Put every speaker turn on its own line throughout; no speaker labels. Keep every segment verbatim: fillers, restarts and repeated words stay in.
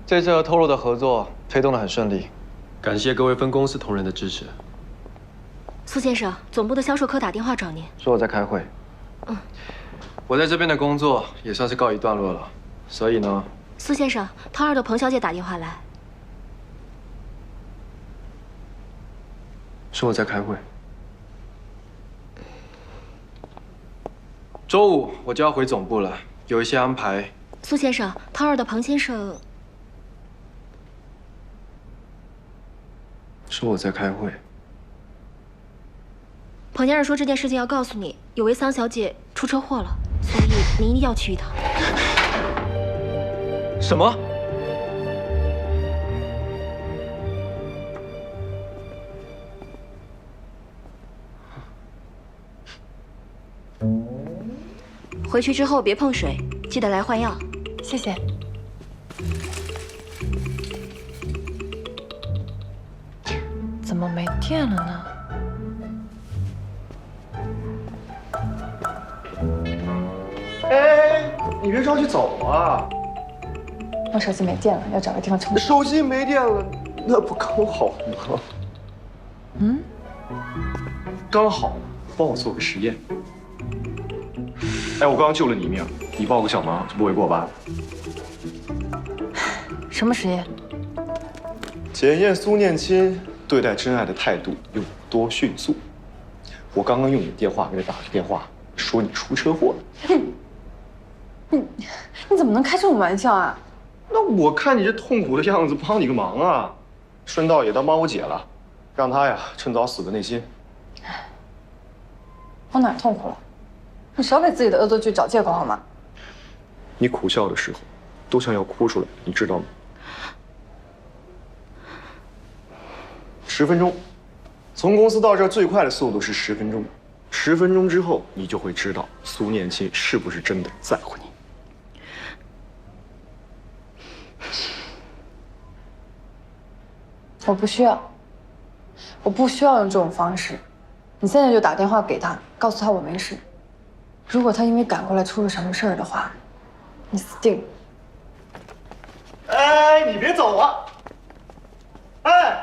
这次和透露的合作推动得很顺利，
感谢各位分公司同仁的支持。
苏先生，总部的销售科打电话找您，
说我在开会。
嗯，
我在这边的工作也算是告一段落了，所以呢，
苏先生，涛二的彭小姐打电话来，
说我在开会。周五我就要回总部了，有一些安排。
苏先生，涛二的彭先生
说我在开会。
彭先生说这件事情要告诉你，有位桑小姐出车祸了，所以您一定要去一趟。
什么？
回去之后别碰水，记得来换药。
谢谢。怎么没电了呢？
哎，你别着急走啊！
我手机没电了，要找个地方充电。
手机没电了，那不刚好吗？
嗯，
刚好，帮我做个实验。哎，我刚刚救了你一命，你帮我个小忙就不为过吧？
什么实验？
检验苏念亲对待真爱的态度有多迅速。我刚刚用你的电话给他打了个电话，说你出车祸了。
你你怎么能开这种玩笑啊？
那我看你这痛苦的样子，帮你个忙啊，顺道也当帮我姐了，让她呀趁早死个内心。
我哪儿痛苦了？你少给自己的恶作剧找借口好吗？
你苦笑的时候，都像要哭出来，你知道吗？十分钟，从公司到这儿最快的速度是十分钟。十分钟之后，你就会知道苏念亲是不是真的在乎你。
我不需要，我不需要用这种方式。你现在就打电话给他，告诉他我没事。如果他因为赶过来出了什么事儿的话，你死定了。
哎，你别走啊！哎。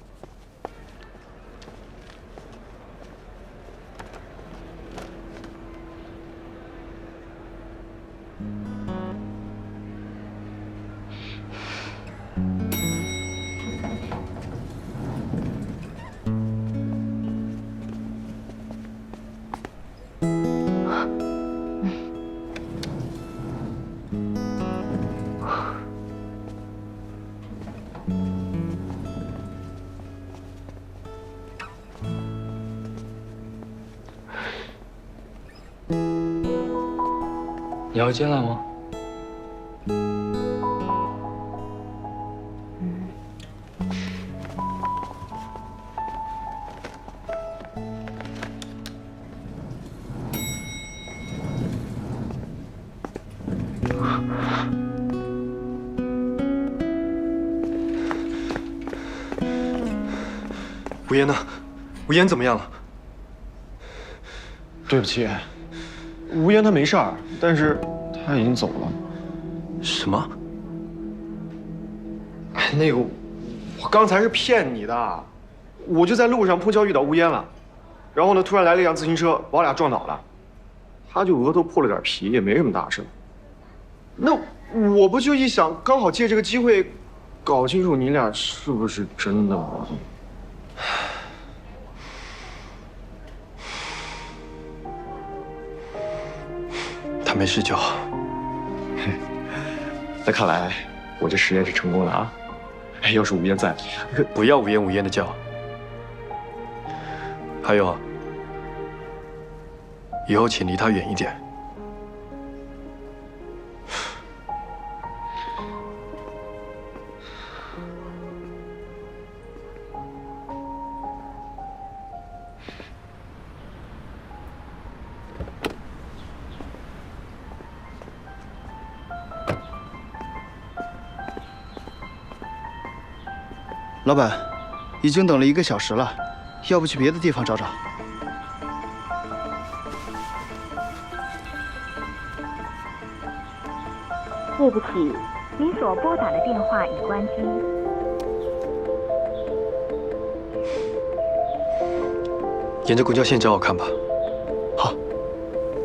你要进来吗？ 吴嫣呢？吴嫣怎么样了？
对不起，吴嫣她没事儿，但是她已经走了。
什么？
哎，那个，我刚才是骗你的，我就在路上碰巧遇到吴嫣了，然后呢，突然来了一辆自行车，把我俩撞倒了，她就额头破了点皮，也没什么大事。那我不就一想，刚好借这个机会，搞清楚你俩是不是真的吗？
他没事就好。
那看来我这实验是成功了啊！哎，要是吴嫣在，
不要吴嫣吴嫣的叫。还有，以后请离他远一点。
老板，已经等了一个小时了，要不去别的地方找找？
对不起，
您所拨打的电话已关机。
沿着公交线找我看吧。